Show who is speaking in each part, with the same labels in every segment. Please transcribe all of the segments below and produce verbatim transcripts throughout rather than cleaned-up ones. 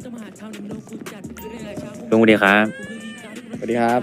Speaker 1: ลุงสวัสดีครับ
Speaker 2: สวัสดีครับ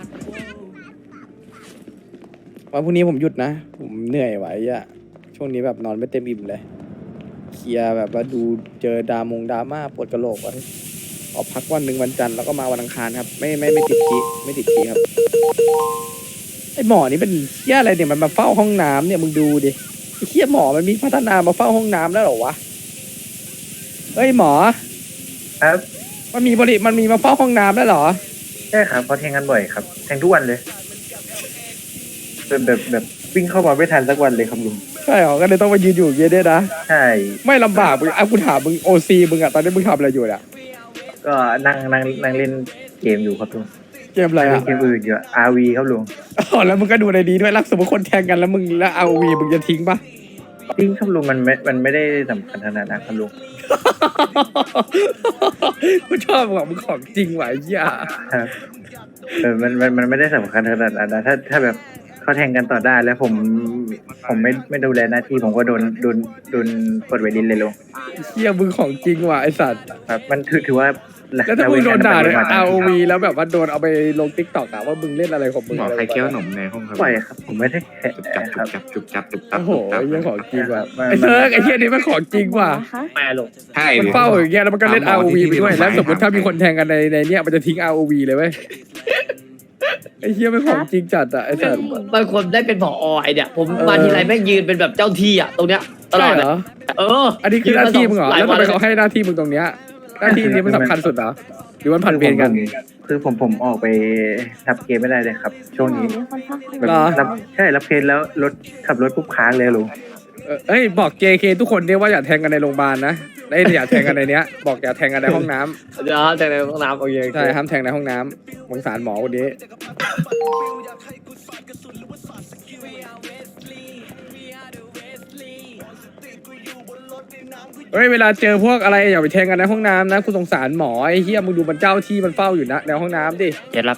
Speaker 2: วันพรุ่งนี้ผมหยุดนะ ผมเหนื่อยไหวอะช่วงนี้แบบนอนไม่เต็มอิ่มเลยเคลียร์แบบว่าดูเจอดามงดราม่าปวดกระโหลกวันออกพักวันหนึ่งวันจันทร์แล้วก็มาวันอังคารครับ ไม่ไม่ไม่ติดคีไม่ติดคีครับไอหมอนี่เป็นเหี้ยอะไรเนี่ยมันมาเฝ้าห้องน้ำเนี่ยมึงดูดิไอเหี้ยหมอมันมีพัฒนามาเฝ้าห้องน้ำแล้วเหรอวะเฮ้ยหมอ
Speaker 3: ครับ
Speaker 2: มันมีบริมันมีมาเฝ้าห้องน้ำแล้วเหรอ
Speaker 3: ใช่ครับเขาแทงกันบ่อยครับแทงทุกวันเลยแบบแบบแบบวิ่งเข้ามาไม่ทันสักวันเลยครับลุง
Speaker 2: ใช่เหรอก็เลยต้องมายืนอยู่อย่างเงี้ยด้วยนะ
Speaker 3: ใช่
Speaker 2: ไม่ลำบากมึงอ่ะกูถามมึงโอซีมึงอะตอนนี้มึงทำอะไรอยู่เนี่ย
Speaker 3: ก็นั่งนั่งนั่งเล่นเกมอยู่ครับลุง
Speaker 2: เกมอะไร
Speaker 3: เล่
Speaker 2: อ่ะ
Speaker 3: นเกมอื่นอยู่ อาร์ วี ครับลุง
Speaker 2: อ๋อแล้วมึงก็ดูในดีด้วยรักสมมติคนแทงกันแล้วมึงแล้วเอาวีมึงจะทิ้งปะ
Speaker 3: จริงครับลุงมันไม่มันไม่ได้สำคัญขนาดนั้นครับลุง
Speaker 2: กูชอบมึงอะมึงของจริงว่ะไอ้เหี้ย
Speaker 3: ครับเออมันมันมันไม่ได้สำคัญขนาดนั้นนะถ้าถ้าแบบเขาแทงกันต่อได้แล้วผมผมไม่ไม่ดูแลหน้าที่ผมก็โดนโดนโดนปลดไวรินเลยลุง
Speaker 2: ไอ้เหี้ยมึงของจริงว่ะไอสัตว์
Speaker 3: ครับมันถือถือว่า
Speaker 2: แล้วถ้ามึงโดนด่าใน
Speaker 3: ละ
Speaker 2: อา
Speaker 3: เว้
Speaker 2: ร์
Speaker 3: น
Speaker 2: วีแล้วแบบว่าโดนเอาไปลงทิกตอกอะว่ามึงเล่นอะไรของมึง
Speaker 1: หมอ
Speaker 2: อะไร
Speaker 1: ใครเคี้ยวขนมในห้องครับ
Speaker 3: ปล่อยครับ ผมไม่ได้แขะ
Speaker 1: จุบจับ
Speaker 3: ครับ
Speaker 1: จุบจับจุบจับจุบจับ
Speaker 2: โอ้โห
Speaker 1: จุบจับ
Speaker 2: ไอ้เหี้ยของจริงว่ะ
Speaker 3: มัน
Speaker 2: ไอ้เซิร์กไอ้เหี้ยนี่มันของจริงว่ะ
Speaker 3: แม่ลุง
Speaker 1: ใช่
Speaker 2: มัน
Speaker 1: ดิ
Speaker 2: เฝ้าอย่างเงี้ยแล้วมันก็เล่น
Speaker 1: ถาม
Speaker 2: อา
Speaker 1: หมอ
Speaker 2: ร์วี
Speaker 1: ที่
Speaker 2: ไปด้วย
Speaker 1: ที่
Speaker 2: แล้วสมมติ
Speaker 1: ถาม
Speaker 2: ถ้ามีคนแทงกันในในเนี้ยมันจะทิ้งอาร์วีเลยเว้ยไอ้เหี้ยไม่ของจริงจัดอะไอ้สัตว์
Speaker 4: บางคนได้เป็นผอไอเนี่ย ผมมาทีไรแม่งยืนเป็นแบบเจ้าที่อ่ะตรงเนี้ยตล
Speaker 2: ใช่
Speaker 4: อด
Speaker 2: เหร
Speaker 4: เลย
Speaker 2: อ
Speaker 4: เออ
Speaker 2: อันนี้คือหน้าที่มึงเหรอ
Speaker 4: หลาย
Speaker 2: แล้ว
Speaker 4: วั
Speaker 2: ทำ
Speaker 4: น
Speaker 2: ไมเขาให้หน้าที่มึงตรงเนี้ยหน้าที่นี้มันสำคัญสุดเหรอหรือมันผันเวรกัน
Speaker 3: คือผมผมออกไปทับเกมไม่ได้เลยครับ ช่วงนี้แบบ
Speaker 2: เหรอ
Speaker 3: รับใช่รับเคสแล้วรถขับรถปุ๊บค้างเลยลุง
Speaker 2: เออเอ้ยบอก เจ เค ทุกคนเนี่ยว่าอย่าแทงกันในโรงพยาบาลนะไอ้ยอย่าแทงกันในเนี้ย บอกอย่าแทงกันในห้องน้ำ
Speaker 4: เดี๋ยวแต่ในห้องน้ำโอเคโอเค
Speaker 2: ใช่ห้ามแทงในห้องน้ำสงสารหมอคนนี้เฮ้ยเวลาเจอพวกอะไรอย่าไปแทงกันในห้องน้ำนะคุณสงสารหมอไอ้เหี้ยมึงดูมันเจ้าที่มันเฝ้าอยู่นะในห้องน้ำดิ
Speaker 1: เจ็ดรับ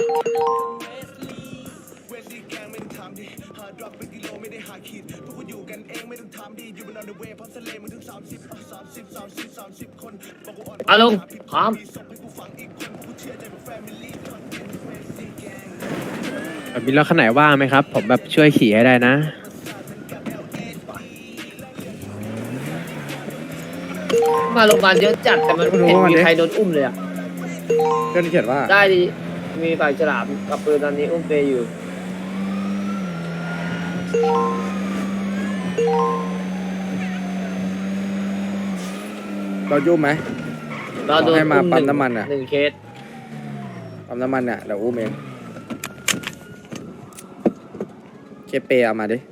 Speaker 4: เอาลุงพร้อม
Speaker 5: มีรถคันไหนว่างไหมครับ ผมแบบช่วยขี่ให้ได้นะ
Speaker 4: มาโรงพยาบาลเยอะจัดแต่มันไม่เห็นมีใครโดนอุ้มเลยอ่ะ
Speaker 2: เพื่อนเขียนว่า
Speaker 4: ได้ดิมีฝ่ายฉลามกับปืนตอนนี้อุ้มเปย์อยู่
Speaker 2: เรายุ่มไหม
Speaker 4: เราโดน
Speaker 2: ให้มา
Speaker 4: อุ้มห
Speaker 2: ปั๊ม
Speaker 4: นึ่ง
Speaker 2: น้ำมันอะ
Speaker 4: หนึ่งเคส
Speaker 2: ปั๊มน้ำมันเนี่ยเดี๋ยวอุ้มเองเคเปเอามาดิ